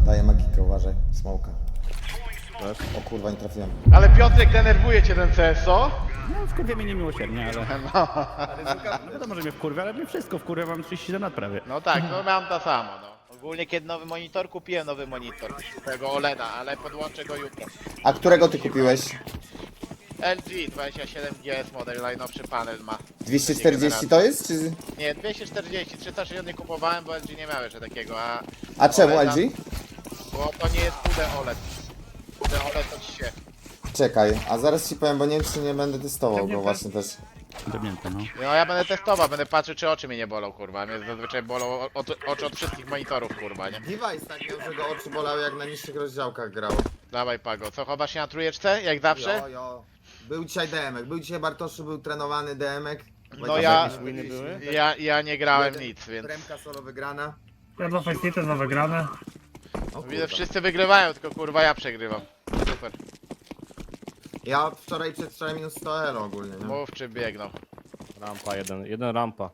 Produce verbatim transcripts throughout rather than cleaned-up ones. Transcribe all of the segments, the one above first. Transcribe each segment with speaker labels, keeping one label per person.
Speaker 1: Daję magikę, uważaj. Smoka. O kurwa, nie trafiłem.
Speaker 2: Ale Piotrek denerwuje cię ten C S, co?
Speaker 3: No, wkurwia mnie niemiłosiernie, ale...
Speaker 2: No,
Speaker 3: No wiadomo, że mnie wkurwia, ale mnie wszystko wkurwia, mam trzydzieści siedem lat prawie.
Speaker 2: no tak, no mam to samo, no. Ogólnie kiedy nowy monitor, kupiłem nowy monitor. Tego OLEDa, ale podłączę go jutro.
Speaker 1: A którego ty kupiłeś?
Speaker 2: L G dwadzieścia siedem G S model, najnowszy panel ma.
Speaker 1: dwieście czterdzieści to jest, czy...
Speaker 2: Nie, dwieście czterdzieści, trzysta sześćdziesiąt nie kupowałem, bo L G nie miał jeszcze takiego, a...
Speaker 1: A czemu L
Speaker 2: OLEDa
Speaker 1: G?
Speaker 2: Bo to nie jest Q D OLED. Q D OLED to ci się...
Speaker 1: Czekaj, a zaraz ci powiem, bo nie wiem, czy nie będę testował go właśnie też.
Speaker 3: Debnięte, no.
Speaker 2: No ja będę testował, będę patrzył czy oczy mnie nie bolą, kurwa. Mnie zazwyczaj bolą od, oczy od wszystkich monitorów, kurwa, nie?
Speaker 1: Device tak miał, że go oczy bolały jak na niższych rozdziałkach grał.
Speaker 2: Dawaj Pago, co chowasz się na trójeczce, jak zawsze?
Speaker 1: Jo, jo. Był dzisiaj D M ek, był dzisiaj Bartoszu, był trenowany D M ek.
Speaker 2: No ja, ja, ja nie grałem nic, więc...
Speaker 1: Tremka solo wygrana.
Speaker 4: Ja dwa Facetity, dwa wygrane.
Speaker 1: O
Speaker 2: Widzę,
Speaker 1: kurwa.
Speaker 2: wszyscy wygrywają, tylko kurwa ja przegrywam. Super.
Speaker 1: Ja wczoraj przedwczoraj minus sto elo ogólnie, nie?
Speaker 2: Mów czy biegną.
Speaker 5: Rampa, jeden, jeden rampa.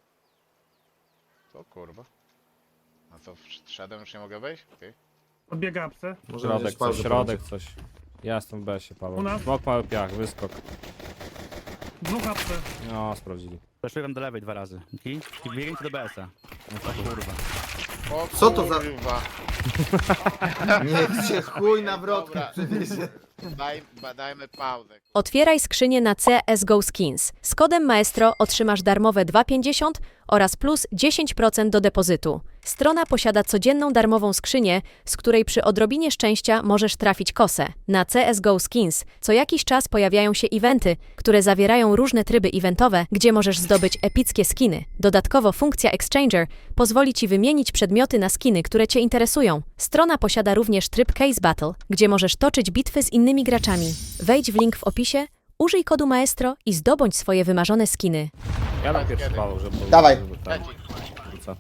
Speaker 2: Co kurwa? A co, wszedłem, już nie mogę wejść? Okej.
Speaker 4: Odbiega apsy.
Speaker 1: Może
Speaker 5: Środek
Speaker 1: będziesz
Speaker 5: coś,
Speaker 1: pauzę
Speaker 5: środek coś. Ja jestem w besie,
Speaker 4: U
Speaker 5: Paweł.
Speaker 4: nas?
Speaker 5: Smok mały piach, wyskok.
Speaker 4: Dwóch apsy.
Speaker 5: No, sprawdzili.
Speaker 3: Zeszłem do lewej dwa razy. I, i biegnijcie do B S a. No to kurwa.
Speaker 2: O
Speaker 1: Co to za-
Speaker 2: kurwa.
Speaker 1: Niech cię chuj na wrotkę
Speaker 2: Dobra.
Speaker 1: przywiezie.
Speaker 2: Daj, ba- dajmy pauzę.
Speaker 6: Otwieraj skrzynię na C S G O Skins. Z kodem Maestro otrzymasz darmowe dwa pięćdziesiąt oraz plus dziesięć procent do depozytu. Strona posiada codzienną darmową skrzynię, z której przy odrobinie szczęścia możesz trafić kosę. Na C S G O Skins co jakiś czas pojawiają się eventy, które zawierają różne tryby eventowe, gdzie możesz zdobyć epickie skiny. Dodatkowo funkcja Exchanger pozwoli Ci wymienić przedmioty na skiny, które Cię interesują. Strona posiada również tryb Case Battle, gdzie możesz toczyć bitwy z innymi graczami. Wejdź w link w opisie, użyj kodu Maestro i zdobądź swoje wymarzone skiny.
Speaker 5: Ja dam pierwszy Paweł, żeby...
Speaker 1: Dawaj.
Speaker 5: żeby tam
Speaker 2: Leci.
Speaker 5: wrócę.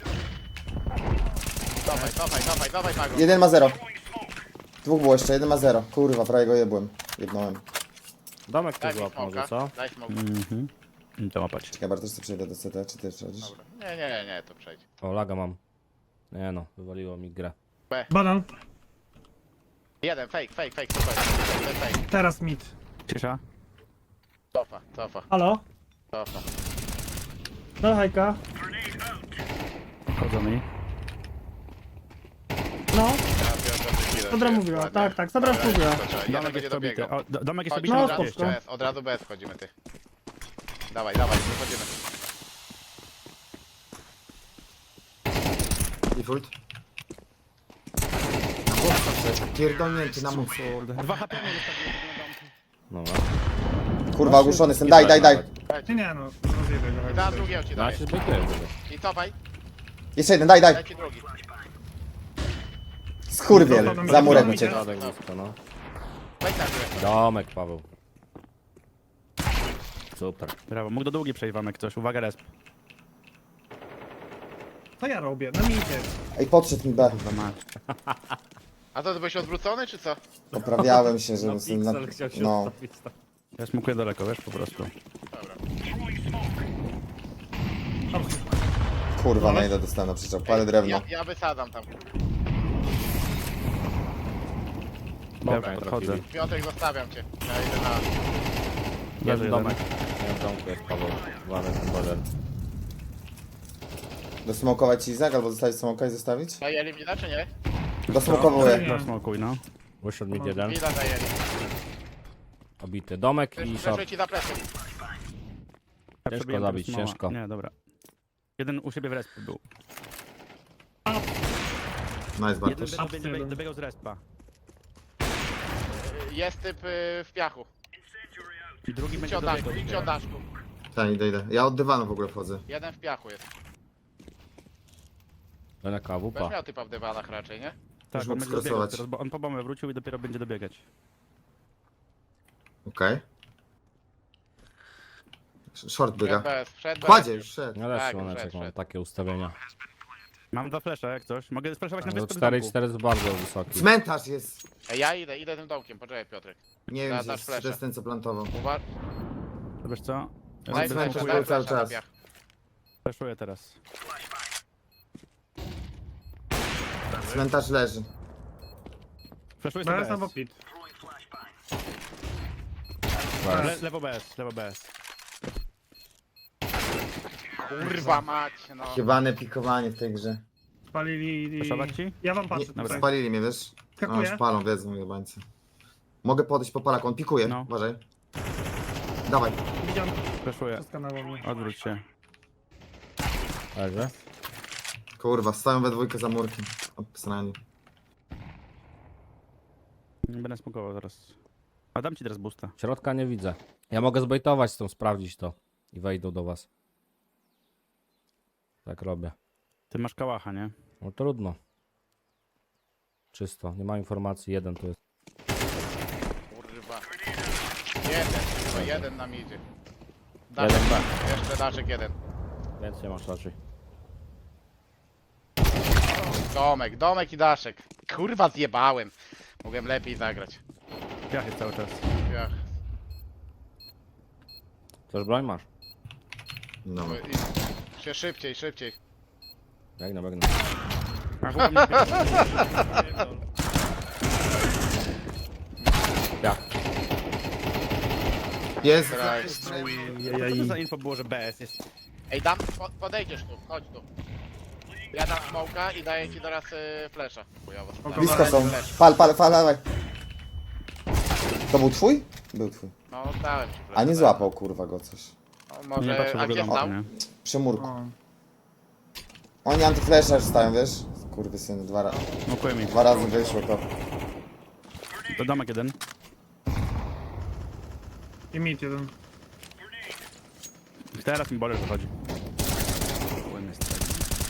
Speaker 2: Dawaj, dawaj, dawaj, dawaj Pago.
Speaker 1: Jeden ma zero. Dwóch było jeszcze, jeden ma zero. Kurwa, prawie go jebłem. Jebnąłem.
Speaker 5: Domek tu
Speaker 2: Daj mi
Speaker 5: złap może,
Speaker 2: smoka,
Speaker 5: co?
Speaker 2: daj smoka.
Speaker 3: Mhm. I to łapać.
Speaker 1: Czekaj, Bartosz, co przejdę do C T, czy ty przechodzisz?
Speaker 2: Nie, nie, nie, nie, to przejdź.
Speaker 5: O, laga mam. Nie no, wywaliło mi grę.
Speaker 4: Banan.
Speaker 2: Jeden, fake, fake, fake, super. Jeden fake.
Speaker 4: Teraz mid.
Speaker 3: Cisza.
Speaker 2: Cofa, cofa,
Speaker 4: Halo?
Speaker 2: cofa.
Speaker 4: No hajka.
Speaker 3: Chodzą mi.
Speaker 4: No.
Speaker 2: Ja biorę do chwilę,
Speaker 4: Dobra
Speaker 2: że
Speaker 4: mówiła,
Speaker 2: ładnie.
Speaker 4: tak, tak, dobra
Speaker 2: Dobra,
Speaker 4: mówiła.
Speaker 2: to trzeba. Jeden
Speaker 3: Domek
Speaker 2: będzie
Speaker 3: jest pobity.
Speaker 2: dobiegał.
Speaker 3: O, do- domek jest
Speaker 2: Chodź,
Speaker 3: pobity
Speaker 4: No,
Speaker 3: na
Speaker 2: od razu
Speaker 4: spoko.
Speaker 2: bez, od razu bez wchodzimy, ty. Dawaj, dawaj, wychodzimy.
Speaker 1: Default. Na bossa wszedł. Pierdolnięty na mózg.
Speaker 3: Dwa H P mu zostawiłem na domku.
Speaker 5: Dobra.
Speaker 1: Kurwa, ogłuszony jestem. Daj, daj, daj.
Speaker 4: Nie, nie no. Rozjebę go.
Speaker 2: I teraz drugiego ci
Speaker 5: Ja
Speaker 2: daję.
Speaker 5: się zbytuję.
Speaker 2: I cofaj,
Speaker 1: Jeszcze jeden, daj, daj.
Speaker 2: daj ci drugi.
Speaker 1: Skurwiel, za murek uciekł.
Speaker 5: Środek blisko, no.
Speaker 2: Weź na górę.
Speaker 5: Domek, Paweł. Super.
Speaker 3: Brawo, mógł do długiej przejść wam jak ktoś. Uwaga, resp.
Speaker 4: Co ja robię? Na midzie.
Speaker 1: Ej, podszedł mi B.
Speaker 3: Chyba masz.
Speaker 2: A to ty byłeś odwrócony, czy co?
Speaker 1: Poprawiałem się, żeby...
Speaker 5: No,
Speaker 1: sobie na-
Speaker 5: Pixel chciał się
Speaker 1: No.
Speaker 5: ustawić tam.
Speaker 3: Ja smukuję daleko, wiesz, po prostu.
Speaker 2: Dobra.
Speaker 1: Kurwa, na ile dostałem na przyczep. Palę drewno.
Speaker 2: Ja, ja wysadzam tam.
Speaker 3: Ja
Speaker 5: Dobra,
Speaker 3: podchodzę.
Speaker 5: trafili.
Speaker 2: Piotrek, zostawiam cię. Ja idę na...
Speaker 5: Jest
Speaker 3: Leży
Speaker 5: domek. Nie, w domku jest Paweł. Uważaj, ten boiler.
Speaker 1: Dosmokować ci Izak, albo zostawić smoka i zostawić?
Speaker 2: Zajęli mnie, czy nie?
Speaker 1: Dosmokowuję.
Speaker 3: jeden. Smokuj, no.
Speaker 5: Wyszedł mi jeden.
Speaker 2: Mida zajęli.
Speaker 5: Obity. Domek i short.
Speaker 2: Przeszuję ci za plecy.
Speaker 3: Ja
Speaker 5: Ciężko
Speaker 3: przebiłem
Speaker 5: zabić,
Speaker 3: tego smoła.
Speaker 5: ciężko.
Speaker 3: Nie, dobra. Jeden u siebie w respie był.
Speaker 1: Nice,
Speaker 3: Jeden
Speaker 1: Bartosz.
Speaker 3: dobiegł, dobiegł, dobiegł z respa.
Speaker 2: Jest typ y, w piachu.
Speaker 3: I drugi
Speaker 2: Idźcie
Speaker 3: będzie
Speaker 2: od daszku,
Speaker 3: dobiegał.
Speaker 2: idźcie od daszku.
Speaker 1: Tak, idę, idę. Ja od dywanu w ogóle wchodzę.
Speaker 2: Jeden w piachu jest.
Speaker 5: Będę
Speaker 2: Będziesz
Speaker 5: kawupa.
Speaker 2: miał typa w dywanach raczej, nie?
Speaker 3: Tak,
Speaker 1: Już
Speaker 3: on
Speaker 1: mógł
Speaker 3: będzie dobiegał
Speaker 1: skrosować.
Speaker 3: teraz, bo on po bombę wrócił i dopiero będzie dobiegać.
Speaker 1: Okej. Short
Speaker 2: Wszedł
Speaker 1: biega.
Speaker 2: bez, wszedł bez.
Speaker 1: Kładzie już, szedł.
Speaker 5: Ja też
Speaker 2: Tak,
Speaker 5: słoneczek
Speaker 2: wszedł,
Speaker 5: mam
Speaker 2: wszedł.
Speaker 5: takie ustawienia.
Speaker 3: Mam dwa flesze, jak coś. Mogę splashować na
Speaker 5: No
Speaker 3: wyspę w
Speaker 5: cztery i
Speaker 3: domku.
Speaker 5: cztery jest bardzo wysoki.
Speaker 1: Cmentarz jest.
Speaker 2: Ej, ja idę, idę tym domkiem, poczekaj Piotrek.
Speaker 1: Nie wiem,
Speaker 2: Da-
Speaker 1: gdzie
Speaker 2: dasz
Speaker 1: jest, czy to
Speaker 2: flasha.
Speaker 1: jest ten, co plantował.
Speaker 2: Uwa...
Speaker 3: To wiesz co? Ja
Speaker 2: Daj
Speaker 1: cmentarz
Speaker 3: sobie
Speaker 2: flasha,
Speaker 1: był
Speaker 2: daj
Speaker 1: cały
Speaker 2: flasha na
Speaker 1: czas.
Speaker 2: piach.
Speaker 3: flashuję teraz.
Speaker 1: Cmentarz leży.
Speaker 3: Flashuję
Speaker 4: B
Speaker 3: sobie
Speaker 4: S albo
Speaker 3: B S.
Speaker 4: pit.
Speaker 3: Le, lewo B S, lewo B S.
Speaker 2: Kurwa mać, no.
Speaker 1: Jebane pikowanie w tej grze.
Speaker 4: Spalili...
Speaker 3: Flashować ci?
Speaker 4: Ja wam
Speaker 1: Nie,
Speaker 4: patrzę tutaj.
Speaker 1: spalili mnie, wiesz? No,
Speaker 4: Skakuję.
Speaker 1: już palą, wiedzą jebańcy. Mogę podejść po Polaku, on pikuje,
Speaker 3: No.
Speaker 1: uważaj. Dawaj.
Speaker 4: Widziałem
Speaker 3: Flashuję.
Speaker 4: przez kanał mnie.
Speaker 3: Odwróć się.
Speaker 5: Leży.
Speaker 1: Kurwa, stoją we dwójkę za murkiem. Obsrani.
Speaker 3: Nie będę smokował zaraz. A dam ci teraz boosta.
Speaker 5: Środka nie widzę. Ja mogę zbejtować z tą, sprawdzić to. I wejdą do was. Tak robię.
Speaker 3: Ty masz kałacha, nie?
Speaker 5: No trudno. Czysto, nie ma informacji, jeden tu jest.
Speaker 2: Kurwa. Jeden, tylko jeden nam idzie.
Speaker 5: Jeden
Speaker 2: Daszek,
Speaker 5: B.
Speaker 2: jeszcze daszek jeden.
Speaker 5: Więcej masz raczej.
Speaker 2: Domek, domek i daszek. Kurwa zjebałem. Mogłem lepiej zagrać.
Speaker 3: Piach jest cały czas.
Speaker 2: Ja.
Speaker 5: Też broń masz?
Speaker 1: No.
Speaker 2: I się szybciej, szybciej.
Speaker 5: Biegnę, biegnę.
Speaker 3: A chyba mnie pierdol.
Speaker 5: Ja.
Speaker 1: Jest!
Speaker 2: Kraj.
Speaker 3: Co to za info było, że B S jest?
Speaker 2: Ej, dam, po, podejdziesz tu, chodź tu. Ja dam smoka i daję ci teraz y, flesza. Chujowo.
Speaker 1: Blisko są. Pal, pal, pal, dawaj. To był twój? Był twój.
Speaker 2: No, dałem ci flesza.
Speaker 1: A nie złapał kurwa go coś.
Speaker 2: No,
Speaker 3: Nie
Speaker 2: może,
Speaker 3: patrzę w
Speaker 2: a
Speaker 3: ogóle
Speaker 2: gdzie
Speaker 3: do
Speaker 2: stał?
Speaker 3: nie?
Speaker 1: Przy murku.
Speaker 4: O.
Speaker 1: Oni antyflasher już stają, wiesz? Kurwy syny, dwa, ra
Speaker 3: Smokuję mi.
Speaker 1: dwa razy wyszło to.
Speaker 3: To domek jeden.
Speaker 4: I mit jeden.
Speaker 3: Teraz mi boler wychodzi. Płynny strajk.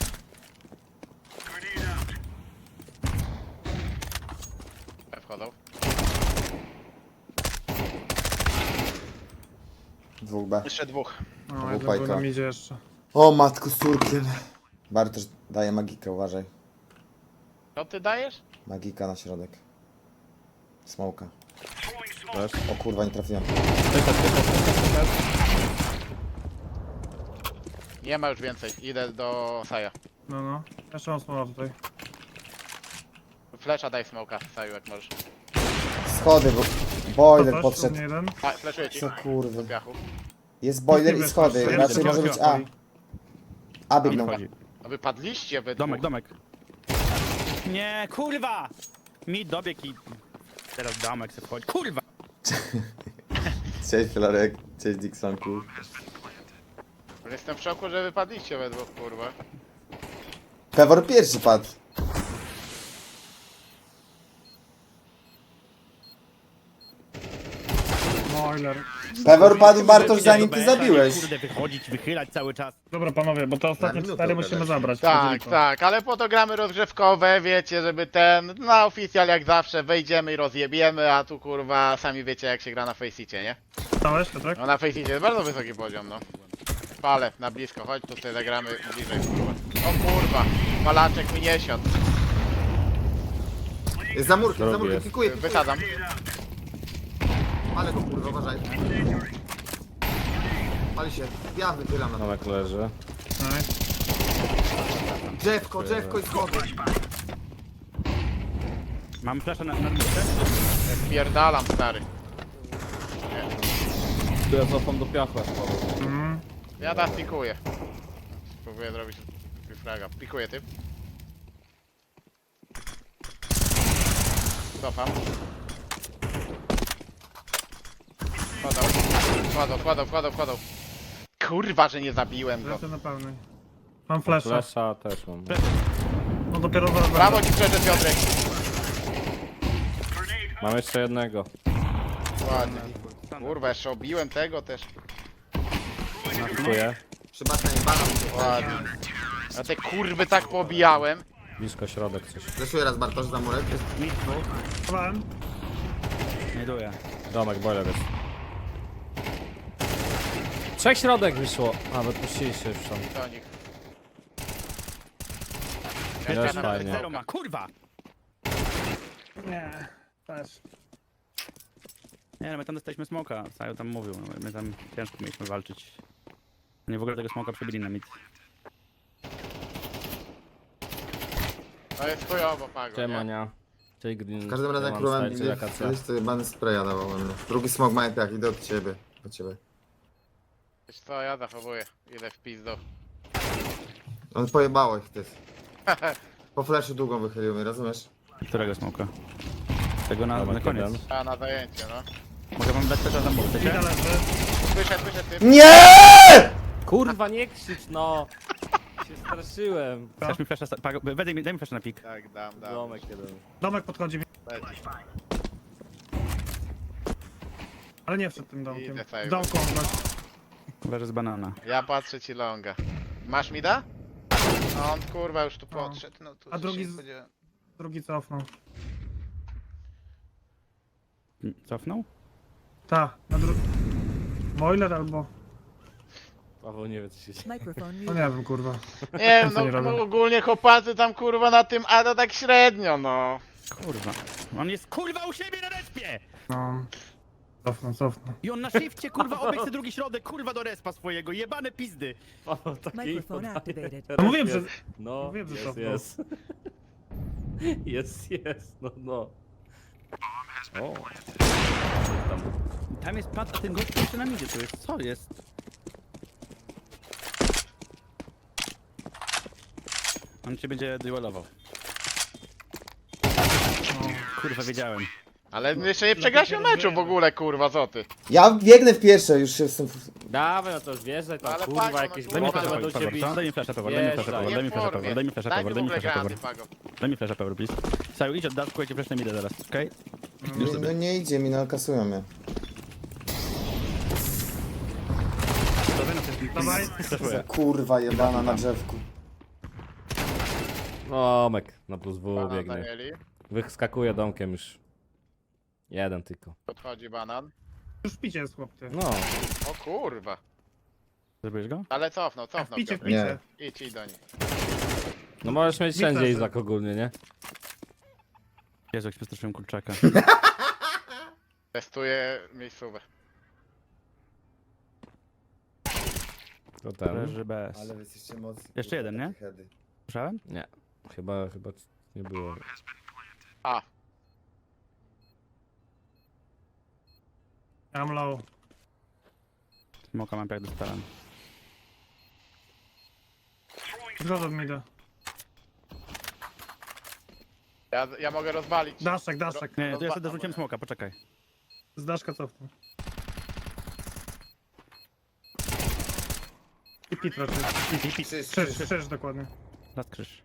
Speaker 2: Wchodzą.
Speaker 1: Dwóch B.
Speaker 2: Jeszcze dwóch.
Speaker 4: No,
Speaker 1: był
Speaker 4: jeden
Speaker 1: pajka.
Speaker 4: był na midzie jeszcze.
Speaker 1: O matku z córkiem. Bartosz daje magikę, uważaj.
Speaker 2: Co ty dajesz?
Speaker 1: Magika na środek. Smoka.
Speaker 5: Też?
Speaker 1: O kurwa, nie trafiłem.
Speaker 2: Nie ma już więcej. Idę do Saja.
Speaker 4: No, no. Jeszcze mam smoła tutaj.
Speaker 2: Flesza daj smoka, Saju, jak możesz.
Speaker 1: Schody, bo boiler
Speaker 4: Ktoś, u
Speaker 1: podszedł.
Speaker 4: mnie jeden.
Speaker 2: A, fleszuję ci.
Speaker 1: Co kurwy.
Speaker 2: Do piachu.
Speaker 1: Jest boiler i schody.
Speaker 4: Jeden
Speaker 1: Raczej
Speaker 4: smoła
Speaker 1: może być
Speaker 4: stoi.
Speaker 1: A. A
Speaker 3: Tam
Speaker 1: biegną.
Speaker 3: wychodzi.
Speaker 2: A wy padliście we
Speaker 3: Domek,
Speaker 2: dwóch.
Speaker 3: domek. Nie, kurwa! Mi dobieg i... Teraz domek se wchodzi. Kurwa!
Speaker 1: Cześć Filarek, cześć Dixonku.
Speaker 2: Jestem w szoku, że wypadliście we dwóch, kurwa.
Speaker 1: Pewor pierwszy padł.
Speaker 4: Boiler.
Speaker 1: Pewor padł Bartosz
Speaker 3: Idę
Speaker 1: zanim
Speaker 3: do
Speaker 1: ty
Speaker 3: B S-a,
Speaker 1: zabiłeś.
Speaker 3: nie, Kurde, wychodzić, wychylać cały czas.
Speaker 4: Dobra panowie, bo te ostatnie
Speaker 1: minutę
Speaker 4: cztery
Speaker 1: gadać.
Speaker 4: musimy zabrać.
Speaker 2: Tak,
Speaker 4: Chodzili
Speaker 2: tak, ale po to gramy rozgrzewkowe, wiecie, żeby ten, na oficjal jak zawsze wejdziemy i rozjebiemy, a tu kurwa, sami wiecie jak się gra na Faceicie, nie?
Speaker 4: to. Stałeś, tak?
Speaker 2: No na Faceicie jest bardzo wysoki poziom, no. Palę, na blisko, chodź, tu sobie zagramy bliżej, kurwa. O kurwa, palaczek mi nie siadł.
Speaker 1: Jest za murkiem, za
Speaker 5: Drogi
Speaker 1: murkiem,
Speaker 5: jest.
Speaker 1: pikuję.
Speaker 2: Wysadzam.
Speaker 1: Ale go kurwa, uważaj. Pali się, ja wychylam na to.
Speaker 5: Domek leży.
Speaker 4: Nice.
Speaker 1: Drzewko, drzewko i schody.
Speaker 3: Mam flasza na, na listę?
Speaker 2: Spierdalam, stary.
Speaker 5: Tu ja cofam do piachu.
Speaker 4: Mhm.
Speaker 2: Ja teraz pikuję. Spróbuję zrobić fraga. Pikuję typ. Cofam. Wchodzą, wchodzą, wchodzą, wchodzą, wchodzą. Kurwa, że nie zabiłem go.
Speaker 4: Lecę na pełnej. Mam flasha.
Speaker 5: Flasha też mam.
Speaker 4: No dopiero zaraz.
Speaker 2: Brawo ci przeszedł Piotrek.
Speaker 5: Mam jeszcze jednego.
Speaker 2: Ładnie. Kurwa, jeszcze obiłem tego też.
Speaker 5: Dziękuję.
Speaker 1: Przy basenie, banan.
Speaker 2: Ładnie. A te kurwy tak pobijałem.
Speaker 5: Blisko środek coś.
Speaker 1: Zeszuję raz Bartosz za murek.
Speaker 3: Mi dwóch.
Speaker 4: Chowałem.
Speaker 3: Znajduję.
Speaker 5: Domek, boiler jest. Trzech środek wyszło. A, wypuścili się już tam.
Speaker 2: Do nich.
Speaker 5: Jest
Speaker 2: Jeszcze
Speaker 5: fajnie.
Speaker 3: Zero ma, kurwa!
Speaker 4: Nie. Też.
Speaker 3: Nie no, my tam dostaliśmy smoka, Saju tam mówił, no, my tam ciężko mieliśmy walczyć. Nie w ogóle tego smoka przebili na mid.
Speaker 2: To jest chujowo, Pago, nie?
Speaker 5: Ciemania. Czyli green.
Speaker 1: W każdym razie jak
Speaker 5: mam
Speaker 1: próbowałem
Speaker 5: style,
Speaker 1: nigdy
Speaker 5: czyli akacja.
Speaker 1: wejść, to jebany spraya dawał mnie. Drugi smog ma jak idę od ciebie. Do ciebie.
Speaker 2: Wiesz co, ja zachowuję. Idę w pizdo.
Speaker 1: On pojebało ich ty. Po flashu długą wychylił mnie, rozumiesz?
Speaker 3: Którego smoka? Tego na,
Speaker 5: Dobra,
Speaker 3: na koniec.
Speaker 5: jeden.
Speaker 2: A na zajęcie, no.
Speaker 3: Mogę wam dać też za mur,
Speaker 4: Ida
Speaker 3: chcecie?
Speaker 4: leży.
Speaker 2: Słyszę, słyszę ty.
Speaker 1: Nie!
Speaker 5: Kurwa, nie krzycz, no! Się straszyłem.
Speaker 3: Chcesz mi flasha... Pago, daj mi, daj mi flasha na pik.
Speaker 2: Tak, dam, dam.
Speaker 5: Domek jeden.
Speaker 4: Domek podchodzi mi.
Speaker 2: Leci.
Speaker 4: Ale nie przed tym domkiem.
Speaker 2: Idę sobie.
Speaker 4: W domku on gość.
Speaker 3: Leży z banana.
Speaker 2: Ja patrzę ci longa. Masz mi da? A on kurwa już tu
Speaker 4: No.
Speaker 2: podszedł, no tu
Speaker 4: A
Speaker 2: się
Speaker 4: drugi
Speaker 2: nie
Speaker 4: z-
Speaker 2: spodziewałem.
Speaker 4: Drugi cofnął.
Speaker 3: Cofnął?
Speaker 4: Ta, na dru... Boiler albo...
Speaker 5: Paweł nie wie co się dzieje.
Speaker 7: Microphone
Speaker 4: No
Speaker 7: muted.
Speaker 4: nie wiem, kurwa.
Speaker 2: Nie wiem,
Speaker 4: Co nie
Speaker 2: no
Speaker 4: robią?
Speaker 2: ogólnie chłopacy tam kurwa na tym, a to tak średnio, no.
Speaker 3: Kurwa. On jest kurwa u siebie na respie!
Speaker 4: No... Cofnął, cofnął.
Speaker 3: I on na shifcie kurwa obiegł sobie drugi środek kurwa do respa swojego. Jebane pizdy.
Speaker 5: Paweł taki
Speaker 7: Microphone
Speaker 5: podaje.
Speaker 7: activated.
Speaker 4: No mówiłem, że...
Speaker 5: No,
Speaker 4: Mówiłem, że
Speaker 5: jest,
Speaker 4: cofnął.
Speaker 5: jest. Jest, jest, no, no. O. Tam.
Speaker 3: Tam jest pad, a ten gość jeszcze na midzie tu jest. Co jest? On cię będzie duelował. Kurwa, wiedziałem.
Speaker 2: Ale jeszcze nie przegasił meczu w ogóle, kurwa, co ty?
Speaker 1: Ja biegnę w pierwsze, już jestem... w-
Speaker 5: Dawaj, no to już wierzę, to
Speaker 2: Ale
Speaker 5: kurwa
Speaker 2: Pago, no
Speaker 5: jakieś
Speaker 2: kurwa,
Speaker 3: Daj mi
Speaker 2: Dobra,
Speaker 3: flasha
Speaker 5: będą
Speaker 3: power,
Speaker 5: cię bić.
Speaker 3: co? Daj mi flasha power, daj mi flasha power, daj mi flasha power, daj mi flasha
Speaker 2: Daj
Speaker 3: power,
Speaker 2: mi
Speaker 3: daj
Speaker 2: w
Speaker 3: mi
Speaker 2: ogóle
Speaker 3: flasha
Speaker 2: granaty,
Speaker 3: power.
Speaker 2: Pago.
Speaker 3: Daj mi flasha power, please. Saju, idź od daszku, ja cię flashnę idę teraz, okej? Już
Speaker 1: No
Speaker 3: sobie.
Speaker 1: nie idzie mi, no kasują mnie.
Speaker 4: Dawaj.
Speaker 3: Flashuję.
Speaker 1: Kurwa jebana na drzewku.
Speaker 5: Domek na plus W
Speaker 2: Banan
Speaker 5: biegnie.
Speaker 2: zajęli.
Speaker 5: Wyskakuje domkiem już. Jeden tylko.
Speaker 2: Podchodzi banan.
Speaker 4: Już w picie jest chłop, ty.
Speaker 5: No.
Speaker 2: O kurwa.
Speaker 3: Zrobiłeś go?
Speaker 2: Ale cofnął,
Speaker 4: W
Speaker 2: cofnął.
Speaker 4: picie, w
Speaker 2: Piotr.
Speaker 4: picie.
Speaker 2: Idź, idź do nich.
Speaker 5: No możesz mieć
Speaker 4: Nie
Speaker 5: wszędzie
Speaker 4: flashy.
Speaker 5: Izak ogólnie, nie?
Speaker 3: Jezu, jak się przestraszyłem kurczaka.
Speaker 2: Testuję miejscówę.
Speaker 5: To ten.
Speaker 3: Leży bez.
Speaker 1: Ale wy jesteście mocni.
Speaker 3: Jeszcze jeden, nie?
Speaker 1: Heady.
Speaker 3: Słyszałem?
Speaker 5: Nie. Chyba, chyba nie było.
Speaker 2: A,
Speaker 4: Ja mam low.
Speaker 3: Smoka mam jak dostałem.
Speaker 4: Zgoda mi da.
Speaker 2: ja, ja mogę rozwalić.
Speaker 4: Daszek, daszek.
Speaker 3: Nie, to ja
Speaker 2: Rozwa-
Speaker 3: sobie dorzuciłem smoka, poczekaj.
Speaker 4: Z daszka cofnął. I pit raczej.
Speaker 1: Krzyż,
Speaker 4: Krzyż, krzyż dokładnie.
Speaker 3: Last krzyż.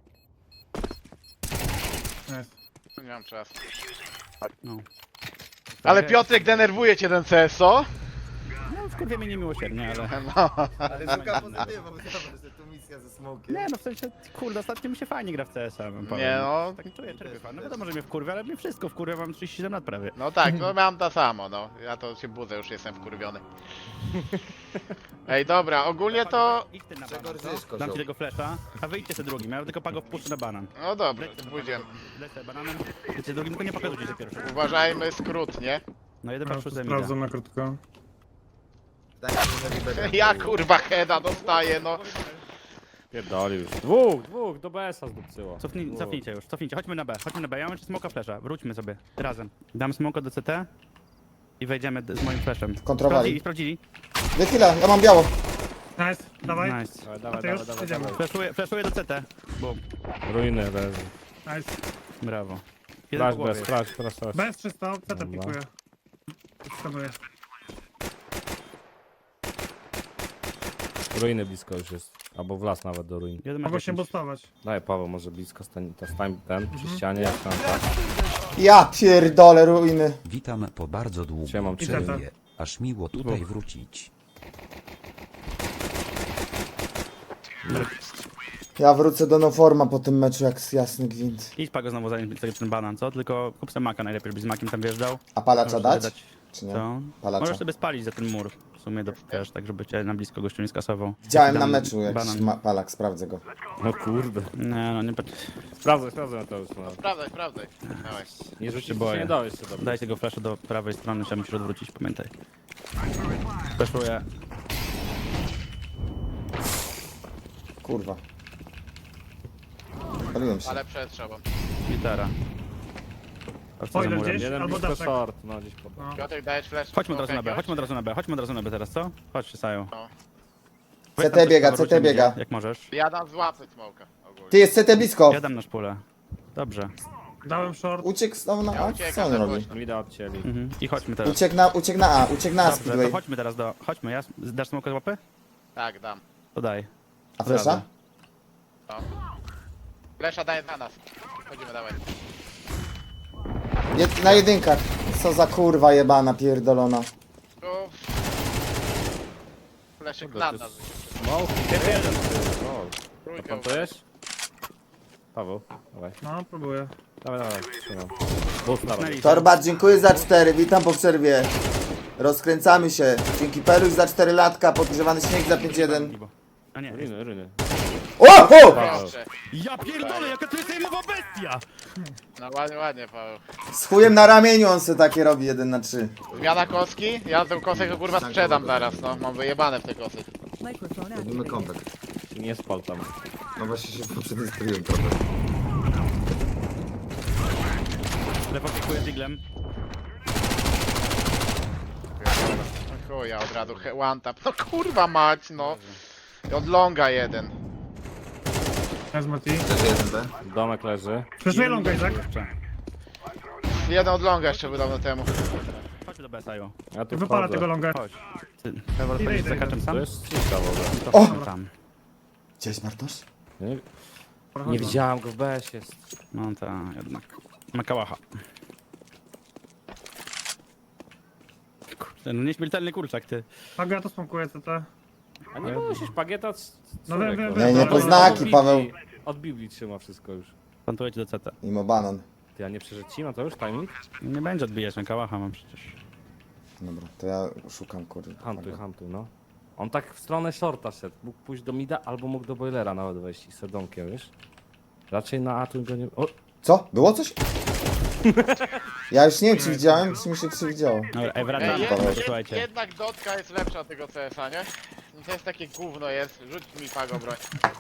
Speaker 4: Jest.
Speaker 2: Nie mam czasu.
Speaker 3: No.
Speaker 2: Ale Piotrek denerwuje cię ten C S, o?
Speaker 3: No, wkurwie mnie niemiłosiernie, ale...
Speaker 2: No.
Speaker 1: Ale szuka pozytywą, myślałem, że to misja ze smokiem.
Speaker 3: Nie no, w sensie, kurde, ostatnio mi się fajnie gra w C S a. bym powiedział.
Speaker 2: Nie no.
Speaker 3: Tak czuję, czerpię fan. No wiadomo, że mnie wkurwia, ale mnie wszystko wkurwia, mam trzydzieści siedem lat prawie.
Speaker 2: No tak, no mam to samo, no. Ja to się budzę, już jestem wkurwiony. Ej, dobra, ogólnie to...
Speaker 3: Idź ty na
Speaker 1: Czego
Speaker 3: banan, co?
Speaker 1: rżysz, kozioł?
Speaker 3: Dam ci tego flasha, a wyjdźcie sobie drugim, ja tylko Pago wpuszczę na banan.
Speaker 2: No dobra, pójdziemy.
Speaker 3: Lecę bananem, idźcie drugim, tylko nie pokazujcie się pierwszy.
Speaker 2: Uważajmy skrót, nie?
Speaker 3: No jeden
Speaker 4: Ja
Speaker 3: patrz przeze mnie.
Speaker 4: sprawdzam na krótko.
Speaker 1: Daj mi będę.
Speaker 2: Ja kurwa heada dostaję, no.
Speaker 5: Pierdoli już. Dwóch, dwóch, do B S a zdupcyło.
Speaker 3: Cofnij,
Speaker 5: Dwóch.
Speaker 3: cofnijcie już, cofnijcie, chodźmy na B, chodźmy na B, ja mam jeszcze smoka flasha, wróćmy sobie, razem. Dam smoka do C T i wejdziemy d- z moim flashem.
Speaker 1: Kontrowali.
Speaker 3: Sprawdzili, sprawdzili.
Speaker 1: Wychyla, ja mam biało.
Speaker 4: Nice, dawaj.
Speaker 3: Nice.
Speaker 5: Dawaj,
Speaker 4: A
Speaker 5: dawaj,
Speaker 4: ty
Speaker 5: dawaj,
Speaker 4: już?
Speaker 5: dawaj,
Speaker 4: Jedziemy.
Speaker 5: dawaj.
Speaker 3: Flashuję, flashuję do C T. Boom.
Speaker 5: Ruiny leży.
Speaker 4: Nice.
Speaker 3: Brawo. Jeden
Speaker 5: Flash
Speaker 3: po głowie.
Speaker 5: bez, flash, flash, flash.
Speaker 4: Bez trzysta, C T
Speaker 5: Dobra.
Speaker 4: pikuje. Skanuję.
Speaker 5: Ruiny blisko już jest. Albo w las nawet do ruin.
Speaker 3: Jeden ma
Speaker 4: Mogą się
Speaker 3: dziesięć.
Speaker 4: boostować.
Speaker 5: Daj Paweł, może blisko stań, ta stań ten
Speaker 3: Mhm.
Speaker 5: przy ścianie, jak tam tak.
Speaker 1: Ja pierdolę ruiny.
Speaker 8: Witam po bardzo
Speaker 5: Siemam,
Speaker 8: długim
Speaker 5: trzy.
Speaker 8: przerwie. Aż miło tutaj wrócić.
Speaker 1: Ja wrócę do Noforma po tym meczu jak jasny gwint.
Speaker 3: Idź Pago znowu zanim sobie ten banan, co? Tylko kup sobie maka najlepiej, żeby z makiem tam wjeżdżał.
Speaker 1: A palacza
Speaker 3: Możesz sobie
Speaker 1: dać? Czy nie?
Speaker 3: Co?
Speaker 1: Palacza.
Speaker 3: Możesz sobie spalić za ten mur. W sumie do, wiesz, tak żeby cię na blisko gościu nie skasował.
Speaker 1: Widziałem na
Speaker 3: Dam
Speaker 1: meczu jakiś
Speaker 3: banan.
Speaker 1: ma- palak, sprawdzę go.
Speaker 5: No kurde.
Speaker 3: Nie no, nie pat-
Speaker 5: Sprawdzaj, sprawdzaj to już. No.
Speaker 2: Sprawdzaj, sprawdzaj. Dawaj.
Speaker 5: Nie rzucić się
Speaker 3: boję.
Speaker 5: nie dałeś się dobrze.
Speaker 3: Daj tego flasha do prawej strony, trzeba musisz odwrócić, pamiętaj. Flashuję.
Speaker 1: Kurwa. Paliłem się.
Speaker 2: Ale przed szobą.
Speaker 3: Gitara. A co za
Speaker 4: Spoiler
Speaker 3: murem?
Speaker 4: gdzieś?
Speaker 5: Jeden
Speaker 4: Albo
Speaker 5: blisko
Speaker 4: daszek.
Speaker 5: short, no gdzieś po...
Speaker 4: No.
Speaker 2: Piotrek, dajesz flash?
Speaker 3: Chodźmy od razu na B,
Speaker 2: jakiegoś?
Speaker 3: chodźmy od razu na B, chodźmy od razu na B teraz, co? Chodź, Sajo.
Speaker 2: No.
Speaker 3: Weź
Speaker 7: C T
Speaker 3: tam
Speaker 7: biega,
Speaker 3: coś,
Speaker 7: C T
Speaker 3: wrócimy,
Speaker 7: biega.
Speaker 3: Jak możesz.
Speaker 2: Ja dam złapy smoka ogólnie.
Speaker 7: Ty jest C T blisko.
Speaker 3: Ja dam na szpulę. Dobrze.
Speaker 4: Dałem short.
Speaker 7: Uciekł znowu na
Speaker 2: Ja
Speaker 7: A?
Speaker 2: uciekam,
Speaker 7: Co on
Speaker 2: za
Speaker 7: robi?
Speaker 2: głośno.
Speaker 5: Mi da odcięli.
Speaker 3: Mhm. I chodźmy teraz.
Speaker 7: Uciekł na, uciekł na A, uciekł na A
Speaker 3: Dobrze, to
Speaker 7: Speedway.
Speaker 3: chodźmy teraz do... Chodźmy, ja... Dasz smoka z łapy?
Speaker 2: Tak, dam.
Speaker 3: To daj.
Speaker 7: A flesza?
Speaker 2: No. Flesza daje na nas. Chodzimy, dawaj.
Speaker 7: Jed, na jedynkach. Co za kurwa jebana pierdolona.
Speaker 2: Tu... Fleszyk na nas.
Speaker 5: Smoke. O,
Speaker 2: Trójkę.
Speaker 5: plantujesz? Paweł, dawaj.
Speaker 4: No, próbuję.
Speaker 5: Dawaj, dawaj, trzymam. Boost na rowie.
Speaker 7: Torba, dziękuję za cztery, witam po przerwie. Rozkręcamy się. Dzięki Peluś za cztery latka, podgrzewany śnieg za pięć jeden.
Speaker 3: A nie.
Speaker 5: Ryny, ryny.
Speaker 7: O! o!
Speaker 2: Proszę.
Speaker 3: Ja pierdolę, jaka to jest sejmowa bestia!
Speaker 2: No ładnie, ładnie, Paweł.
Speaker 7: Z chujem na ramieniu on se takie robi jeden na trzy.
Speaker 2: Zmiana kostki? Ja tę kosę kurwa sprzedam zaraz, no. Mam wyjebane w te kosy.
Speaker 1: Robimy comeback.
Speaker 5: Nie spal tam.
Speaker 1: No właśnie się poprzednio spaliłem trochę.
Speaker 3: Lepoczykuję diglem.
Speaker 2: No chuja, od razu he- one tap. No kurwa mać, no. I od longa jeden.
Speaker 4: Wezmę T.
Speaker 1: Też jeden B.
Speaker 5: Domek leży.
Speaker 4: Przeszuję longa, Izak.
Speaker 3: Jeszcze.
Speaker 2: Jeden od longa jeszcze był dawno temu.
Speaker 3: Chodź do B, Sajo.
Speaker 5: Ja tu
Speaker 4: Wypala
Speaker 5: wchodzę.
Speaker 4: tego longa.
Speaker 3: Chodź. Ty, Pewor,
Speaker 4: Idę,
Speaker 3: będziesz
Speaker 4: idę,
Speaker 3: za kaczem
Speaker 4: idę.
Speaker 3: sam?
Speaker 5: To jest cisza w ogóle.
Speaker 3: To
Speaker 7: O!
Speaker 3: chodź tam.
Speaker 7: Gdzieś Bartosz?
Speaker 5: Nie, nie widziałem go w B S jest.
Speaker 3: No to jednak. Makałacha. Kurde, no nieśmiertelny kurczak, ty.
Speaker 4: Paga, to smokuję C T.
Speaker 5: A nie musisz pagieta c-
Speaker 4: No wiem, wiem,
Speaker 5: człowieku.
Speaker 4: wiem.
Speaker 7: Nie, nie
Speaker 4: ale-
Speaker 7: po znaki, Paweł.
Speaker 5: Od Biblii trzyma wszystko już.
Speaker 3: Plantuję ci do C T.
Speaker 7: Mimo banan.
Speaker 5: Ty, a nie przeżyci? No to już timing?
Speaker 3: Nie będzie odbijać, Makałacha mam przecież.
Speaker 7: Dobra, to ja szukam kurwa.
Speaker 5: Hantuj, hantuj, no. On tak w stronę shorta szedł. Mógł pójść do mida, albo mógł do boilera nawet wejść i z domkiem, wiesz? Raczej na A tu go nie... O!
Speaker 7: Co? Było coś? Ja już nie wiem, czy widziałem, czy mi się przewidziało.
Speaker 3: Dobra, ej, wracamy.
Speaker 2: Ej,
Speaker 7: Paweł.
Speaker 2: jed, jed,
Speaker 3: Słuchajcie.
Speaker 2: jednak dotka jest lepsza od tego C S a, nie? No to jest takie gówno jest. Rzuć mi Pago broń.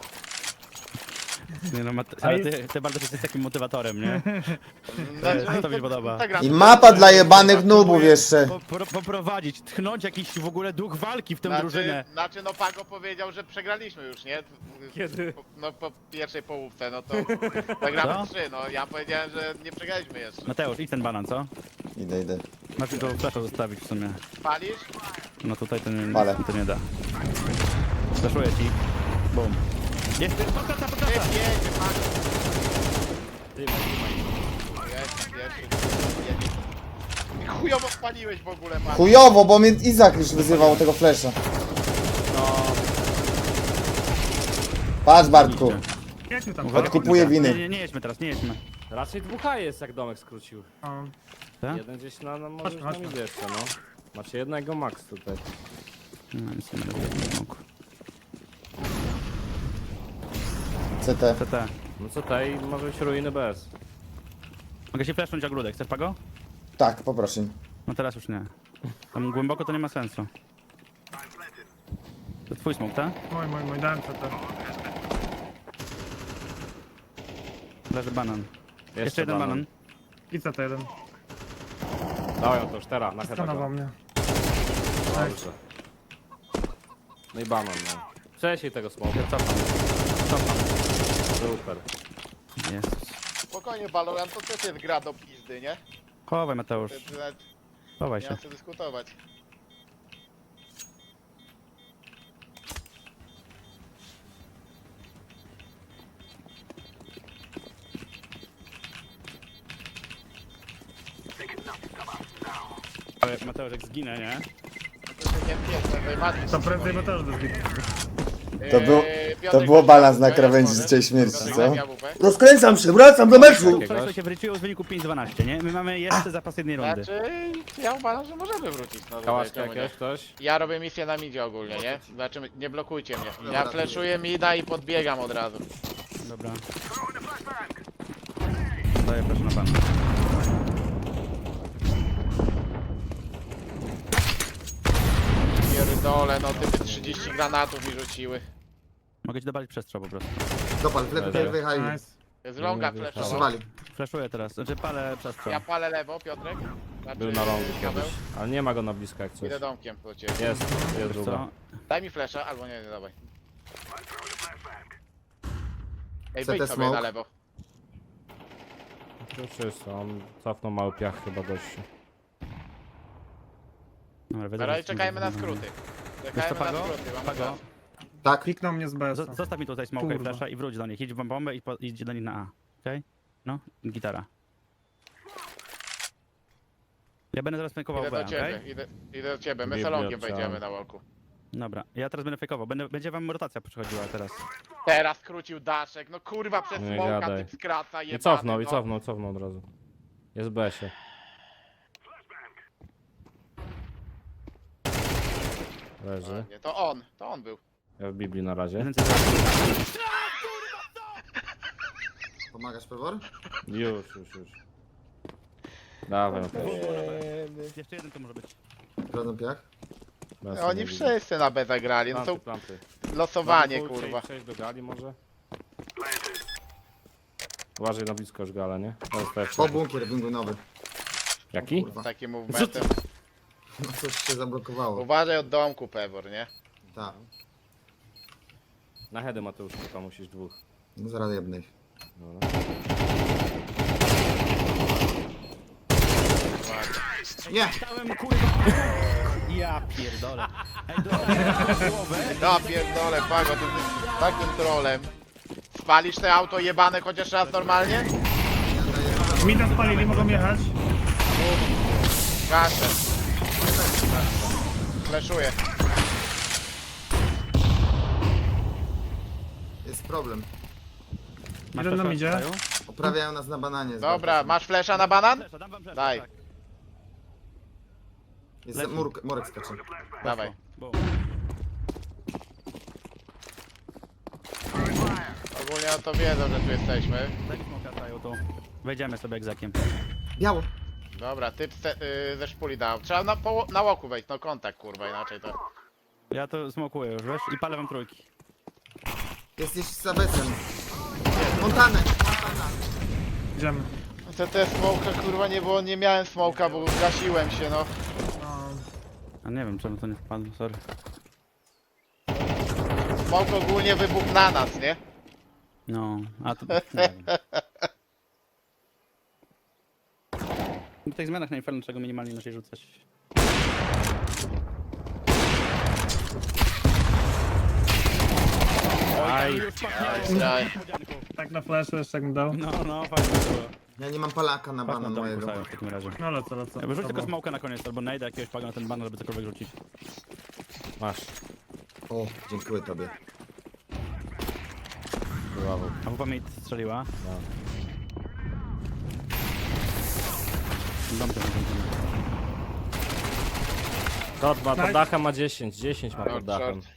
Speaker 3: Nie no, Mate-
Speaker 4: A
Speaker 3: ale
Speaker 4: jest-
Speaker 3: ty, ty bardzo jesteś takim motywatorem, nie?
Speaker 2: Znaczy,
Speaker 3: to mi się podoba.
Speaker 2: ta gra-
Speaker 7: I mapa dla jebanych nubów jeszcze.
Speaker 3: Po, po, poprowadzić, tchnąć jakiś w ogóle duch walki w tę
Speaker 2: Znaczy,
Speaker 3: drużynę.
Speaker 2: znaczy, no Pago powiedział, że przegraliśmy już, nie?
Speaker 5: Kiedy?
Speaker 2: No po pierwszej połówce, no to zagramy
Speaker 3: Co?
Speaker 2: trzy, no ja powiedziałem, że nie przegraliśmy jeszcze.
Speaker 3: Mateusz, idź ten banan, co?
Speaker 7: Idę, idę.
Speaker 3: Masz tylko flasza zostawić w sumie.
Speaker 2: Palisz?
Speaker 3: No tutaj to nie,
Speaker 7: Palę.
Speaker 3: to nie da. Flaszuję ci. Bum. Jest, podkasa,
Speaker 2: Ty
Speaker 3: podkasa!
Speaker 2: jedzie, Pago.
Speaker 5: Ty, trzymaj.
Speaker 2: Jest, pierwszy, jedzie. I chujowo spaliłeś w ogóle, Pago.
Speaker 7: Chujowo, bo mnie Izak już wyzywał tego flesza. Patrz Bartku.
Speaker 4: Jedźmy tam.
Speaker 3: Uwaga,
Speaker 7: Odkupuję
Speaker 3: uwaga.
Speaker 7: winy.
Speaker 3: Nie, nie, nie jedźmy teraz, nie jedźmy.
Speaker 5: Raczej dwóch A jest, jak domek skrócił.
Speaker 4: O,
Speaker 3: Tak?
Speaker 5: Jeden gdzieś na, na może
Speaker 4: Chodźmy,
Speaker 5: na
Speaker 4: chodźmy.
Speaker 5: midzie jeszcze, no. Macie jednego max tutaj.
Speaker 3: No nic nie będę nie mógł.
Speaker 7: C T.
Speaker 3: C T.
Speaker 5: No co tutaj, może być ruiny bez.
Speaker 3: Mogę się flashnąć ogródek, chcesz Pago?
Speaker 7: Tak, poproszę.
Speaker 3: No teraz już nie. Tam głęboko to nie ma sensu. To twój smok, tak?
Speaker 4: mój, mój, mój, dałem C T.
Speaker 3: Leży banan. Jeszcze, jeden banan.
Speaker 4: I C T jeden.
Speaker 5: Dają to już teraz, na
Speaker 4: Skanował
Speaker 5: chyba.
Speaker 4: mnie.
Speaker 5: Dobrze. No i banan, no. Wcześniej tego smoka.
Speaker 3: Ja cofam. Cofam.
Speaker 5: Super.
Speaker 3: Jezus.
Speaker 2: Spokojnie, Valorant to też jest gra do pizdy, nie?
Speaker 3: Chowaj Mateusz,
Speaker 2: To- to nawet
Speaker 3: chowaj
Speaker 2: Nie
Speaker 3: się.
Speaker 2: ma co dyskutować.
Speaker 3: Ale Mateusz jak zginę, nie?
Speaker 2: To się nie pierdolę, najbardziej
Speaker 4: To prędzej bo też do zbitu.
Speaker 7: To był-
Speaker 2: Eee,
Speaker 7: to
Speaker 2: Piotrek,
Speaker 7: było balans na
Speaker 2: weź
Speaker 7: krawędzi
Speaker 2: może.
Speaker 7: życia i śmierci,
Speaker 2: Piotrek,
Speaker 7: co?
Speaker 2: weź A W P.
Speaker 7: Rozkręcam się, wracam do meczu!
Speaker 3: Wczoraj się wyczuło z wyniku pięć dwanaście, nie? My mamy jeszcze zapas jednej rundy.
Speaker 2: Znaczy, ja uważam, że możemy wrócić. No,
Speaker 5: Kałaszka
Speaker 2: czemu nie?
Speaker 5: jakieś, ktoś?
Speaker 2: Ja robię misję na midzie ogólnie, nie? Zobaczymy, nie blokujcie mnie. Ja
Speaker 1: Dobra,
Speaker 2: fleszuję mida i podbiegam od razu.
Speaker 3: Dobra. Daję proszę na pana.
Speaker 2: Pierdole, no typy trzydzieści granatów mi rzuciły.
Speaker 3: Mogę ci dopalić przestrzał po prostu.
Speaker 1: Dopal, w lewy, w lewy, high.
Speaker 4: Nice.
Speaker 2: Z longa
Speaker 5: Nie
Speaker 2: flashował.
Speaker 1: Przesuwali.
Speaker 3: Flashuję teraz, znaczy palę przestrzał.
Speaker 2: Ja palę lewo, Piotrek. Znaczy,
Speaker 5: Był na longu
Speaker 2: Paweł.
Speaker 5: kiedyś, ale nie ma go na blisko jak coś.
Speaker 2: Idę domkiem do ciebie.
Speaker 5: Jest, jest
Speaker 3: Co?
Speaker 5: długa.
Speaker 2: Daj mi flasha, albo nie, nie dawaj. Ej,
Speaker 1: C T
Speaker 2: wyjdź sobie
Speaker 1: smoke.
Speaker 2: na lewo.
Speaker 5: Już jest, on cofnął mały piach chyba gościu.
Speaker 3: Dobra, wiedzę,
Speaker 2: Teraz
Speaker 3: że-
Speaker 2: czekajmy na skróty.
Speaker 3: Wiesz
Speaker 2: Czekajmy
Speaker 3: co,
Speaker 2: na
Speaker 3: Pago?
Speaker 2: skróty, mamy
Speaker 3: Pago?
Speaker 2: czas.
Speaker 1: Tak.
Speaker 4: Kliknął mnie z B S
Speaker 3: Z- Zostaw mi tutaj smoke i
Speaker 4: Kurwa.
Speaker 3: flasha i wróć do nich. Idź w bombę i po- idź do nich na A. Okej? No, gitara. Ja będę zaraz fejkował
Speaker 2: Idę
Speaker 3: B,
Speaker 2: do ciebie,
Speaker 3: okej?
Speaker 2: idę, idę do ciebie. My
Speaker 5: Biblio
Speaker 2: salonkiem
Speaker 5: trzeba.
Speaker 2: wejdziemy na walku.
Speaker 3: Dobra, ja teraz będę fejkował. Będę, będzie wam rotacja przychodziła teraz.
Speaker 2: Teraz skrócił daszek, no kurwa przez
Speaker 5: Nie
Speaker 2: smoka
Speaker 5: gadaj.
Speaker 2: typ skraca
Speaker 5: I
Speaker 2: jebany,
Speaker 5: cofnął, i
Speaker 2: no.
Speaker 5: cofnął, cofnął od razu. Jest w B S-ie. Leży.
Speaker 2: Nie, to on, to on był.
Speaker 5: Ja w Biblii na razie.
Speaker 3: Jeden C-
Speaker 1: Pomagasz, Pewor?
Speaker 5: Już, już, już. Dawaj, no to
Speaker 3: Jeszcze jeden to może być.
Speaker 1: Sprawdzam piach.
Speaker 5: bez
Speaker 2: Oni
Speaker 5: nie widzę.
Speaker 2: wszyscy na B zagrali, no
Speaker 5: Planty,
Speaker 2: to
Speaker 5: planty.
Speaker 2: losowanie
Speaker 5: Dobra,
Speaker 2: kurwa.
Speaker 5: Przejść do gali może? Uważaj na blisko już gala, nie? To jest też.
Speaker 1: O, bunkier, bunkier nowy.
Speaker 5: Jaki?
Speaker 1: Kurwa.
Speaker 2: Takim movementem.
Speaker 1: No coś się zablokowało.
Speaker 2: Uważaj od domku, Pewor, nie?
Speaker 1: Tak.
Speaker 5: Na heady Mateusz, tylko musisz dwóch.
Speaker 1: No zaraz jednej.
Speaker 5: Dobra.
Speaker 1: Nie!
Speaker 3: Dałem kurwa! Ja pierdolę. Ej, dobra, głowę.
Speaker 2: Ja pierdolę, Pago, ty jesteś takim trolem. Spalisz te auto jebane chociaż raz normalnie?
Speaker 4: Mida spalili, mogą jechać.
Speaker 2: Gaszę. Fleszuję.
Speaker 1: Jest problem.
Speaker 3: Masz
Speaker 4: Jeden nam
Speaker 3: flasha,
Speaker 4: idzie.
Speaker 3: Saju?
Speaker 1: Oprawiają nas na bananie.
Speaker 2: Dobra, masz flesza na banan?
Speaker 3: Flasha, dam wam flasha,
Speaker 2: Daj.
Speaker 3: tak.
Speaker 1: Jest
Speaker 3: leci.
Speaker 1: murk, Morek skacze.
Speaker 2: Dawaj.
Speaker 3: Bo-
Speaker 2: Ogólnie no to wiedzą, że tu jesteśmy.
Speaker 3: Daj mi smoka, Saju, tu. Wejdziemy sobie egzakiem.
Speaker 1: Biało.
Speaker 2: Dobra, typ ze, y, ze szpuli dał. Trzeba na, poło- na łoku wejść, no kontakt kurwa, inaczej to...
Speaker 3: Ja to smokuję już, wiesz? I palę wam trójki.
Speaker 1: Jesteś za besem. Montanę.
Speaker 4: Idziemy.
Speaker 2: To te smoka kurwa nie było, nie miałem smoka, bo gasiłem się no.
Speaker 4: No,
Speaker 3: A nie wiem czemu to nie wpadło, sorry.
Speaker 2: Smok ogólnie wybuchł na nas, nie?
Speaker 3: No, a to... Nie wiem. W tych zmianach na Inferno czego minimalnie inaczej rzucać.
Speaker 5: Aj,
Speaker 2: Daj.
Speaker 4: tak na flashu jeszcze jak mi dał.
Speaker 3: No, no, fajnie było.
Speaker 1: Ja nie mam palaka na
Speaker 3: Patrz na
Speaker 1: banan
Speaker 3: dom
Speaker 1: mojego.
Speaker 3: postawiam w takim razie.
Speaker 4: No lecę, lecę.
Speaker 3: Ja wyrzuć tylko
Speaker 4: Dobra.
Speaker 3: smoka na koniec, albo najdę jakiegoś paga na ten banner, żeby cokolwiek rzucić.
Speaker 5: masz.
Speaker 1: O, dziękuję tobie.
Speaker 5: Brawo.
Speaker 3: A wupa mi strzeliła.
Speaker 5: No.
Speaker 3: Dom ten, dom ten.
Speaker 5: Short ma pod
Speaker 4: Nice.
Speaker 5: dachem, ma dziesięć. dziesięć ma pod
Speaker 2: Short,
Speaker 5: dachem.
Speaker 2: short.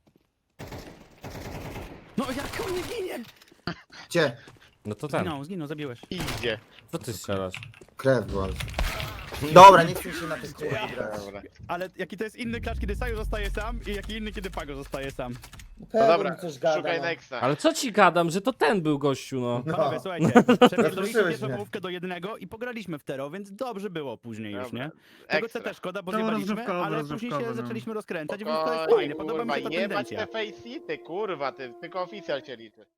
Speaker 3: No jak on nie ginie?
Speaker 1: Gdzie?
Speaker 5: No to ten.
Speaker 3: Zginął, zginął, zabiłeś.
Speaker 2: Idzie.
Speaker 5: Co ty strzelasz?
Speaker 1: Krew była. Dobra, nie chcę się na tych kurwa grać.
Speaker 2: Dobra.
Speaker 3: Ale jaki to jest inny klacz, kiedy Saju zostaje sam i jaki inny, kiedy Pago zostaje sam.
Speaker 2: No dobra, szukaj nexta.
Speaker 5: Ale co ci gadam, że to ten był gościu, no.
Speaker 3: Panowie, słuchajcie, przepierdoliliśmy
Speaker 1: Rozproszyłeś
Speaker 3: pierwszą
Speaker 1: mnie.
Speaker 3: połówkę do jednego i pograliśmy w Tero, więc dobrze było później już,
Speaker 2: Dobra.
Speaker 3: nie? Tego
Speaker 2: Ekstra.
Speaker 3: C też szkoda, bo
Speaker 4: To
Speaker 3: zjebaliśmy,
Speaker 4: rozrywkowe,
Speaker 3: ale później się
Speaker 4: rozrywkowe, no.
Speaker 3: zaczęliśmy rozkręcać, więc to jest
Speaker 2: Spokojnie,
Speaker 3: fajne, podoba mi
Speaker 2: kurwa,
Speaker 3: się ta
Speaker 2: nie bać
Speaker 3: tendencja.
Speaker 2: te faceity, kurwa, ty, tylko oficjal cię liczy.